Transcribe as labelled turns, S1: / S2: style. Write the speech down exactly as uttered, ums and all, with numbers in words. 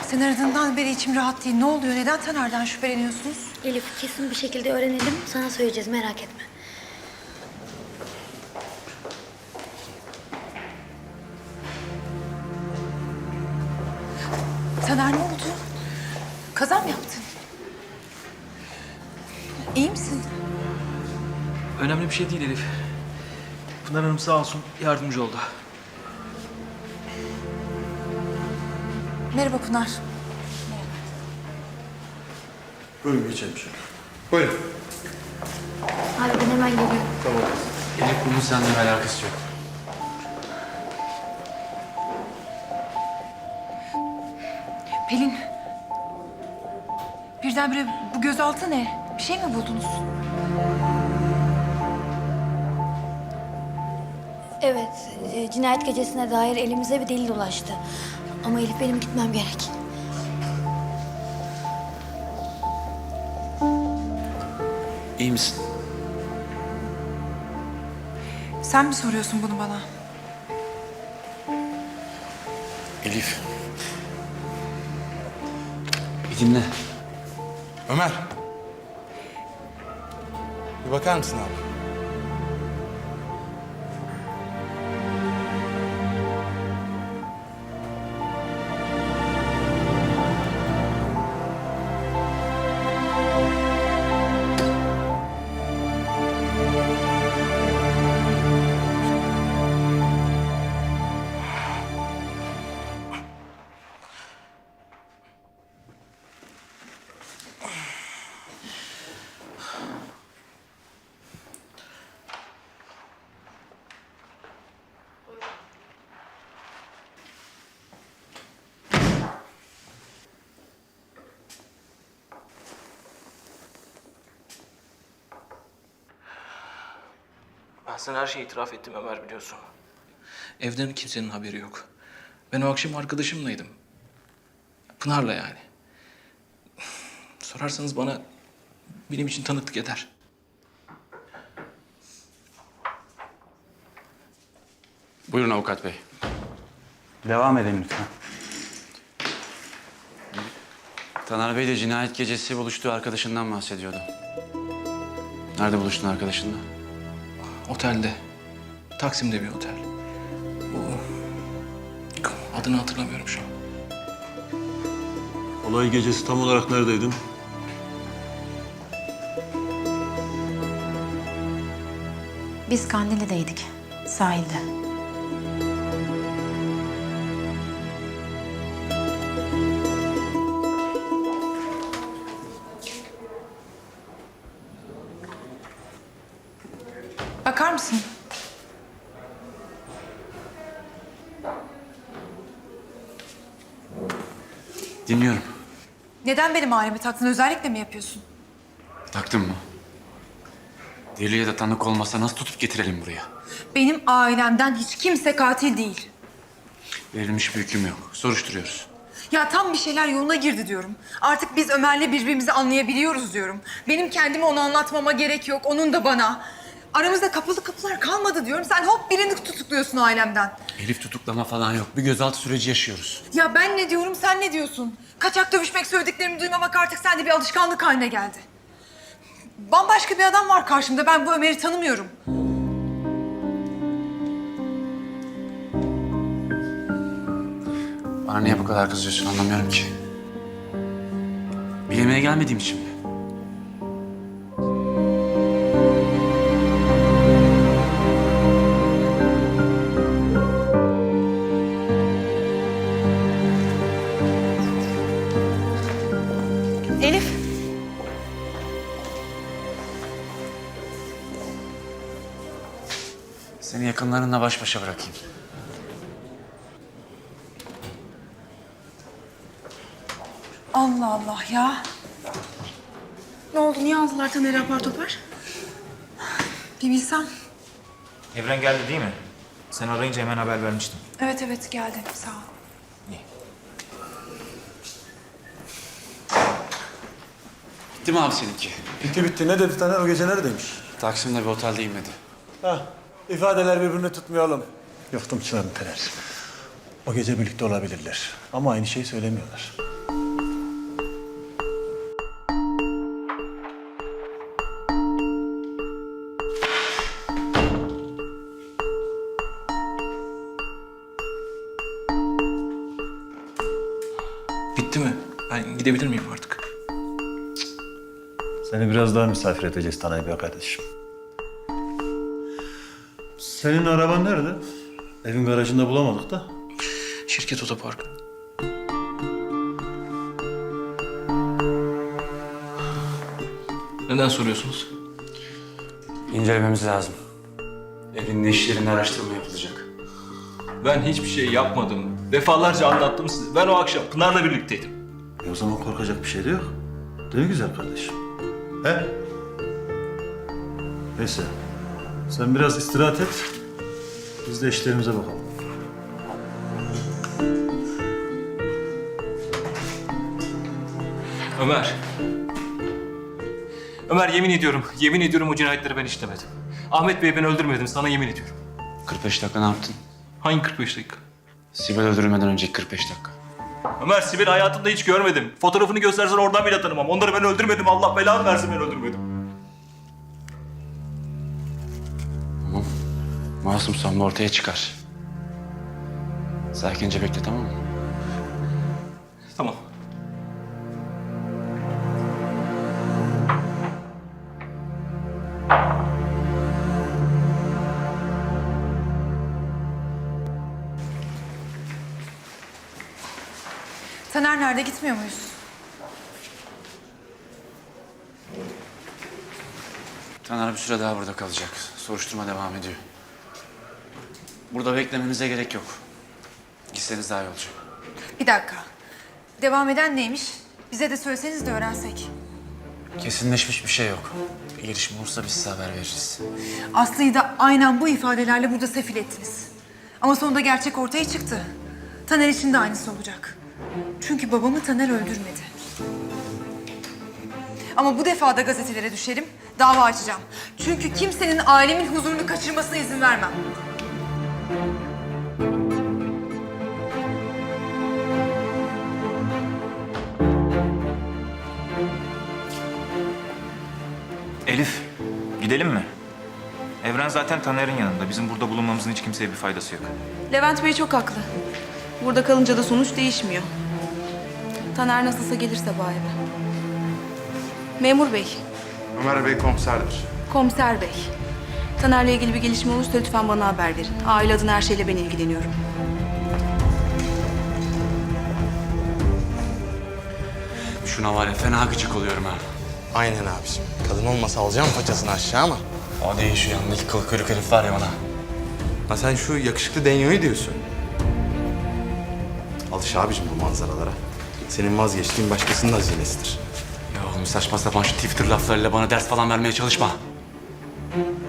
S1: Sen aradığından beri içim rahat değil. Ne oluyor? Neden Taner'den şüpheleniyorsunuz?
S2: Elif, kesin bir şekilde öğrenelim. Sana söyleyeceğiz, merak etme.
S1: Taner, ne oldu? Kaza mı yaptın? İyi misin?
S3: Önemli bir şey değil Elif. Pınar Hanım sağ olsun yardımcı oldu.
S1: Merhaba Pınar.
S4: Buyurun geçelim şöyle. Buyurun.
S2: Abi ben hemen geliyorum.
S4: Tamam.
S5: Elif bunun seninle alakası yok.
S1: Pelin. Birdenbire bu gözaltı ne? Bir şey mi buldunuz?
S2: Evet, e, cinayet gecesine dair elimize bir delil ulaştı. Ama Elif, benim gitmem gerek.
S5: İyi misin?
S1: Sen mi soruyorsun bunu bana?
S5: Elif. Bir dinle.
S4: Ömer. Bir bakar mısın abi?
S3: Ben sana her şeyi itiraf ettim Ömer, biliyorsun. Evden kimsenin haberi yok. Ben o akşam arkadaşımlaydım. Pınar'la yani. Sorarsanız bana benim için tanıklık eder.
S5: Buyurun avukat bey.
S6: Devam edelim lütfen.
S5: Taner Bey de cinayet gecesi buluştuğu arkadaşından bahsediyordu. Nerede buluştun arkadaşınla?
S3: Otelde. Taksim'de bir otel. Bu... Adını hatırlamıyorum şu an.
S4: Olay gecesi tam olarak neredeydin?
S7: Biz Kandilli'deydik, sahilde.
S1: Bakar mısın?
S5: Dinliyorum.
S1: Neden benim ailemi taktın? Özellikle mi yapıyorsun?
S5: Taktın mı? Deli ya da tanık olmasa nasıl tutup getirelim buraya?
S1: Benim ailemden hiç kimse katil değil.
S5: Verilmiş bir hüküm yok. Soruşturuyoruz.
S1: Ya tam bir şeyler yoluna girdi diyorum. Artık biz Ömer'le birbirimizi anlayabiliyoruz diyorum. Benim kendime onu anlatmama gerek yok, onun da bana. Aramızda kapalı kapılar kalmadı diyorum. Sen hop birini tutukluyorsun ailemden.
S5: Elif tutuklama falan yok. Bir gözaltı süreci yaşıyoruz.
S1: Ya ben ne diyorum, sen ne diyorsun? Kaçak dövüşmek, söylediklerimi duymamak artık sende bir alışkanlık haline geldi. Bambaşka bir adam var karşımda. Ben bu Ömer'i tanımıyorum.
S5: Bana niye bu kadar kızıyorsun anlamıyorum ki. Bir yemeğe gelmediğim için mi?
S1: Elif.
S5: Seni yakınlarınla baş başa bırakayım.
S1: Allah Allah ya. Ne oldu? Niye aldılar Taner'i apar topar? Bir bilsem.
S8: Evren geldi değil mi? Sen arayınca hemen haber vermiştim.
S1: Evet evet geldi. Sağ ol.
S5: Bitti mi abi seninki?
S4: Bitti bitti. Ne dedi Taner? O gece neredeymiş?
S5: Taksim'de bir otelde inmedi.
S4: Ha, ifadeler birbirini tutmayalım. Yoktum Çınar'ın Taner. O gece birlikte olabilirler. Ama aynı şeyi söylemiyorlar.
S3: Bitti mi? Ben gidebilir miyim artık?
S4: Seni biraz daha misafir edeceğiz Taner Bey kardeşim. Senin araban nerede? Evin garajında bulamadık da.
S3: Şirket otoparkı. Neden soruyorsunuz?
S5: İncelememiz lazım. Evin ne işlerinde araştırma yapılacak.
S3: Ben hiçbir şey yapmadım. Defalarca anlattım size. Ben o akşam Pınar'la birlikteydim.
S4: E o zaman korkacak bir şey de yok. Değil mi güzel kardeşim? He? Neyse. Sen biraz istirahat et. Biz de işlerimize bakalım.
S3: Ömer. Ömer yemin ediyorum, yemin ediyorum o cinayetleri ben işlemedim. Ahmet Bey'i ben öldürmedim, sana yemin ediyorum.
S5: kırk beş dakika ne yaptın?
S3: Hangi kırk beş dakika?
S5: Sibel öldürülmeden önceki kırk beş dakika.
S3: Ömer, Sibel'i hayatımda hiç görmedim. Fotoğrafını göstersen oradan bile tanımam. Onları ben öldürmedim, Allah belanı versin ben öldürmedim.
S5: Tamam. Masumsan bu ortaya çıkar. Sakince bekle, tamam mı?
S3: Tamam.
S1: Taner nerede? Gitmiyor muyuz?
S5: Taner bir süre daha burada kalacak. Soruşturma devam ediyor. Burada beklemenize gerek yok. Gitseniz daha iyi olacak.
S1: Bir dakika. Devam eden neymiş? Bize de söyleseniz de öğrensek.
S5: Kesinleşmiş bir şey yok. Bir gelişme olursa biz size haber veririz.
S1: Aslı'yı da aynen bu ifadelerle burada sefil ettiniz. Ama sonunda gerçek ortaya çıktı. Taner için de aynısı olacak. Çünkü babamı Taner öldürmedi. Ama bu defa da gazetelere düşerim, dava açacağım. Çünkü kimsenin ailemin huzurunu kaçırmasına izin vermem.
S8: Elif, gidelim mi? Evren zaten Taner'in yanında. Bizim burada bulunmamızın hiç kimseye bir faydası yok.
S9: Levent Bey çok haklı. Burada kalınca da sonuç değişmiyor. Taner nasılsa gelir sabah eve. Memur Bey,
S10: Ömer Bey komiserdir.
S9: komiser Bey. Taner'le ilgili bir gelişme olursa lütfen bana haber verin. Aile adına her şeyle ben ilgileniyorum.
S5: Şuna var ya fena gıcık oluyorum ha.
S10: Aynen abiciğim. Kadın olmasa alacağım paçasını aşağı ama.
S5: O değil şu yanındaki kıl kuyruk herif var ya bana.
S10: Ha sen şu yakışıklı Denyo'yu diyorsun. Alış abicim bu manzaralara. Senin vazgeçtiğin başkasının hazinesidir.
S5: Ya oğlum saçma sapan şu Twitter laflarıyla bana ders falan vermeye çalışma.